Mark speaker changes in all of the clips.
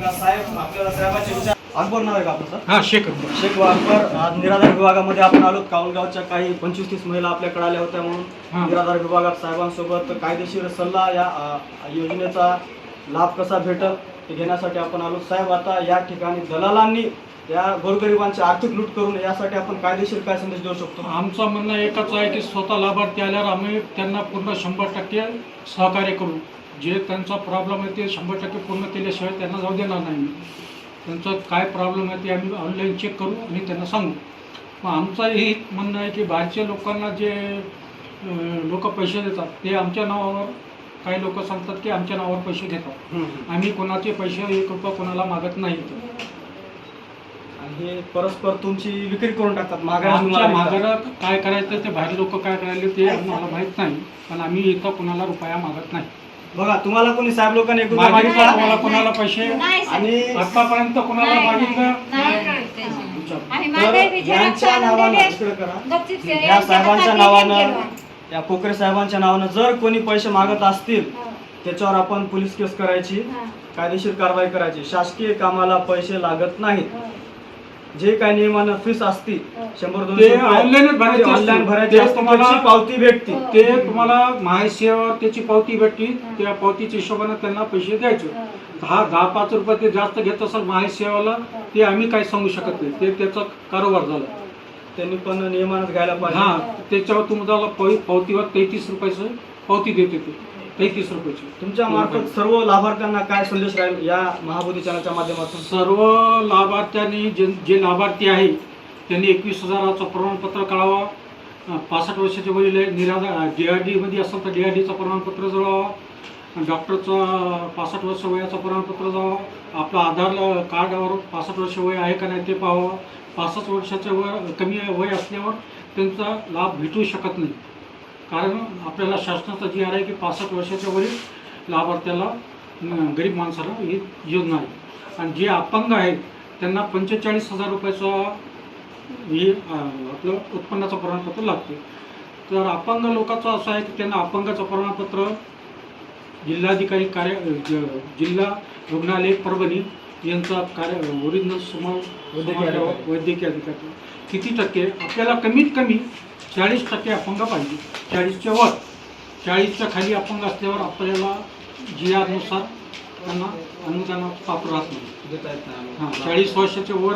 Speaker 1: का साहेब आपल्याला साहेबांचे विचार अकबर नाव आहे का आपलं?
Speaker 2: हां, शेख अकबर.
Speaker 1: शेख अकबर, आज निराधार विभागामध्ये आपण आलो. काऊलगावच्या काही 25-30 महिला आपल्याकडे आल्या होत्या म्हणून निराधार विभागात साहेबांसोबत कायदेशीर सल्ला या योजनेचा लाभ कसा भेटल हे घेण्यासाठी आपण आलो. साहेब, आता या ठिकाणी दलालांनी या गोरगरिबांची आर्थिक लूट करून यासाठी आपण कायदेशीर काय संदेश देऊ शकतो?
Speaker 2: आमचं म्हणणं एकच आहे की स्वतः लाभार्थी आल्यावर आम्ही त्यांना पूर्ण 100% सहकार्य करू. जे त्यांचा प्रॉब्लेम आहे ते 100% पूर्ण केल्याशिवाय त्यांना जाऊ देणार नाही. त्यांचं काय प्रॉब्लेम आहे ते आम्ही ऑनलाईन चेक करू आणि त्यांना सांगू. मग आमचंही म्हणणं आहे की बाहेरच्या लोकांना जे लोक पैसे देतात ते आमच्या नावावर, काही लोक सांगतात की आमच्या नावावर पैसे घेतात. आम्ही कोणाचे पैसे 1 रुपया कोणाला मागत नाही.
Speaker 1: आणि हे परस्पर तुमची विक्री करून टाकतात.
Speaker 2: माघारा काय करायचं ते बाहेर लोक काय करायला ते आम्हाला माहीत नाही, पण आम्ही इथं कोणाला रुपया मागत नाही.
Speaker 1: बघा, तुम्हाला कोणी साहेब लोकांनी
Speaker 2: मागितला कोणाला पैसे
Speaker 1: आणि
Speaker 2: आतापर्यंत कोणाला मागितलं
Speaker 1: यांच्या नावानं इकडे करा, या साहेबांच्या नावानं, या कोकरे साहेबांच्या नावानं जर कोणी पैसे मागत असतील त्याच्यावर आपण पोलीस केस करायची, कायदेशीर कारवाई करायची. शासकीय कामाला पैसे लागत नाहीत. जे काही नियमानं फीस असती 100-200 ऑनलाईन भरायची, तुम्हाला पावती भेटते.
Speaker 2: ते तुम्हाला महासेवा त्याची पावती भेटते. त्या पावतीच्या हिशोबाने त्यांना पैसे द्यायचे. 10-5 रुपये ते जास्त घेत असेल महासेवाला ते आम्ही काही सांगू शकत नाही. ते त्याचा कारोबार झाला.
Speaker 1: त्यांनी पण नियमानच घ्यायला पाहिजे.
Speaker 2: हां, त्याच्यावर तुम्हाला पावतीवर 33 रुपयाचं पावती देते. ते 33 रुपयाची.
Speaker 1: तुमच्या मार्फत सर्व लाभार्थ्यांना काय संदेश राहील या महाबोधी चॅनलच्या माध्यमातून?
Speaker 2: सर्व लाभार्थ्यांनी जे लाभार्थी आहे त्यांनी 21,000चं प्रमाणपत्र काढावा. 65 वर्षाचे वडील आहे, निराधार DRD मध्ये असेल तर DRDचं प्रमाणपत्र जळावा. डॉक्टरचं 65 वर्ष वयाचं प्रमाणपत्र जावं. आपलं आधार कार्डावर 65 वर्ष वय आहे का नाही ते पाहावं. 65 वर्षाचं वय कमी वय असल्यावर त्यांचा लाभ भेटू शकत नाही. कारण आपल्याला शासनाचा जी आहे की 65 वर्षाच्या वरील लाभार्थ्याला गरीब माणसाला ही योजना आहे. आणि जे अपंग आहेत त्यांना 45,000 रुपयाचा हे आपलं उत्पन्नाचं प्रमाणपत्र लागते. तर अपंग लोकांचं असं आहे की त्यांना अपंगाचं प्रमाणपत्र जिल्हाधिकारी जिल्हा रुग्णालय परभणी यांचा ओरिजिनल वैद्यकीय अधिकारी किती टक्के, आपल्याला कमीत कमी 40% अपंग पाहिजे. 40च्या वर, 40च्या खाली अपंग असल्यावर आपल्याला GR नुसार त्यांना अनुदानाचं पात्र राहत नाही,
Speaker 1: देता येत नाही.
Speaker 2: हां, 40 वर्षाच्या वर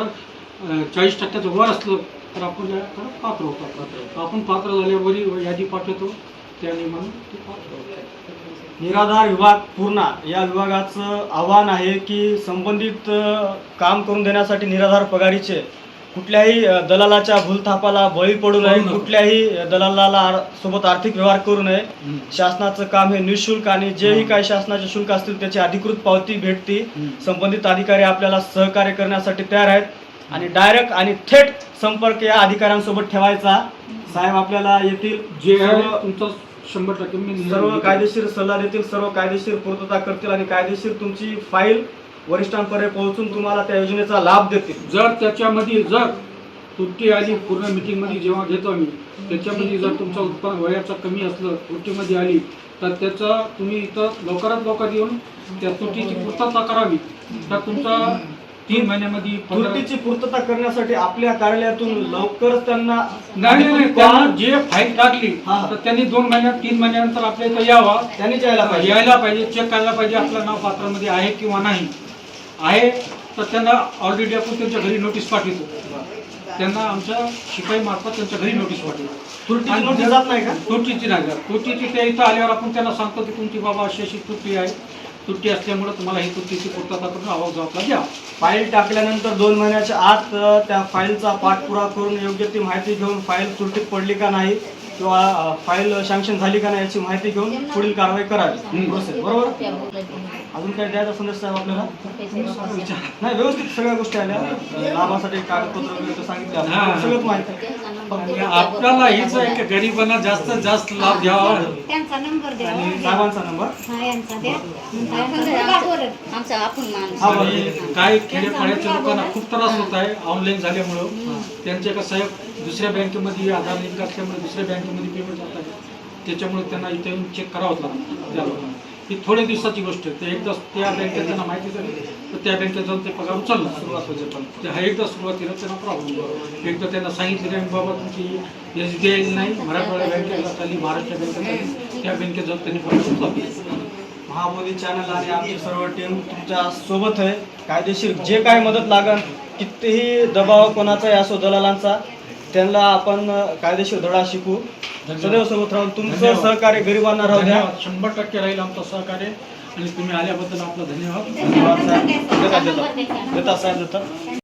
Speaker 2: 40%चं वर असलं तर आपल्याला पात्र होतात. आपण पात्र झाल्यावरही यादी पाठवतो, त्या नियमानं ते पात्र होतात.
Speaker 1: निराधार विभाग पूर्णा या विभागाचं आव्हान आहे की संबंधित काम करून देण्यासाठी निराधार पगारीचे कुठल्याही दलालाच्या भूलथापाला बळी पडू नये, कुठल्याही दलालाला सोबत आर्थिक व्यवहार करू नये. शासनाचं काम हे निःशुल्क आणि जेही काही शासनाचे शुल्क असतील त्याची अधिकृत पावती भेटते. संबंधित अधिकारी आपल्याला सहकार्य करण्यासाठी तयार आहेत आणि डायरेक्ट आणि थेट संपर्क या अधिकाऱ्यांसोबत ठेवायचा. साहेब आपल्याला येथील
Speaker 2: जे आहे तुमचं 100% मी
Speaker 1: सर्व कायदेशीर सल्ला देतील, सर्व कायदेशीर पूर्तता करतील आणि कायदेशीर तुमची फाईल वरिष्ठांपर्यंत पोहोचून तुम्हाला त्या योजनेचा लाभ देतील.
Speaker 2: जर त्याच्यामध्ये जर त्रुटी आली, पूर्ण मीटिंगमध्ये जेव्हा घेतो आम्ही, त्याच्यामध्ये जर तुमचं उत्पन्न वयाचं कमी असलं, त्रुटीमध्ये आली तर त्याचा तुम्ही इथं लवकरात लवकर येऊन त्या त्रुटीची पूर्तता करावी. तर तुमचा 3 महिन्यामध्ये
Speaker 1: त्रुटीची पूर्तता करण्यासाठी आपल्या कार्यालयातून लवकरच त्यांना
Speaker 2: नाही त्यांना जे फाईल टाकली तर त्यांनी 2 महिन्यात 3 महिन्यानंतर आपल्या इथं यावा.
Speaker 1: त्यांनीच यायला
Speaker 2: पाहिजे, चेक करायला पाहिजे आपलं नाव पात्रामध्ये आहे किंवा नाही आहे. तर त्यांना ऑलरेडी आपण त्यांच्या घरी नोटीस पाठवतो. त्यांना आमच्या शिपाई मार्फत त्यांच्या घरी नोटीस पाठवतो.
Speaker 1: त्रुटीची नोटीस जात नाही का?
Speaker 2: त्रुटीची नाही जात. त्रुटीची त्या इथं आल्यावर आपण त्यांना सांगतो की तुमची बाबा अशी त्रुटी आहे. त्रुटी असल्यामुळे तुम्हाला ही त्रुटीची पूर्तता करून आवाज जबाबदार द्या.
Speaker 1: फाईल टाकल्यानंतर 2 महिन्याच्या आत त्या फाईलचा पाठपुरावा करून योग्य ती माहिती घेऊन फाईल त्रुटीत पडली का नाही किंवा फाईल सँक्शन झाली का नाही याची माहिती घेऊन पुढील कारवाई करावी. प्रोसेस बरोबर. अजून काय द्यायचा संदेश साहेब आपल्याला? नाही, व्यवस्थित सगळ्या गोष्टी आल्या. लाभासाठी कागदपत्र वगैरे सांगितले, सगळंच माहिती आहे.
Speaker 2: आपल्याला हेच आहे की गरिबांना जास्तीत जास्त लाभ घ्यावा.
Speaker 3: त्यांचा नंबर द्या
Speaker 1: आणि साहेबांचा नंबर
Speaker 2: काही खेडेपाड्याच्या लोकांना खूप त्रास होत आहे ऑनलाईन झाल्यामुळं. त्यांचे कसं आहे दुसऱ्या बँकेमध्ये आधार लिंक असल्यामुळे दुसऱ्या बँकेमध्ये पेमेंट जात आहे. त्याच्यामुळे त्यांना इथे येऊन चेक करावंच लागतं त्या लोकांना. ही थोड्या दिवसाची गोष्ट आहे. ते एकदा त्या बँकेत त्यांना माहिती झाली तर त्या बँकेत जाऊन ते पगार उचलला सुरुवातीचे. पण ते हा एकदा सुरुवातीला त्यांना प्रॉब्लेम एकदा त्यांना सांगितलं नाही बाबा तुमची SBI नाही मराठवाडा बँकेला चालली महाराष्ट्र बँकेत चालली त्या बँकेत जाऊन त्यांनी पगार उचलला.
Speaker 1: महाबोधी चॅनल आणि आमची सर्व टीम तुमच्या सोबत आहे. कायदेशीर जे काय मदत लागेल कितीही दबाव कोणाचाही असो दलालांचा त्यांना आपण कायदेशीर धडा शिकू. सदैव सोबत राहून तुमचं सहकार्य गरिबांना राहू द्या.
Speaker 2: 100% राहील आमचं सहकार्य आणि तुम्ही आल्याबद्दल आपलं धन्यवाद.
Speaker 1: धन्यवाद साहेब. देता साहेब देता.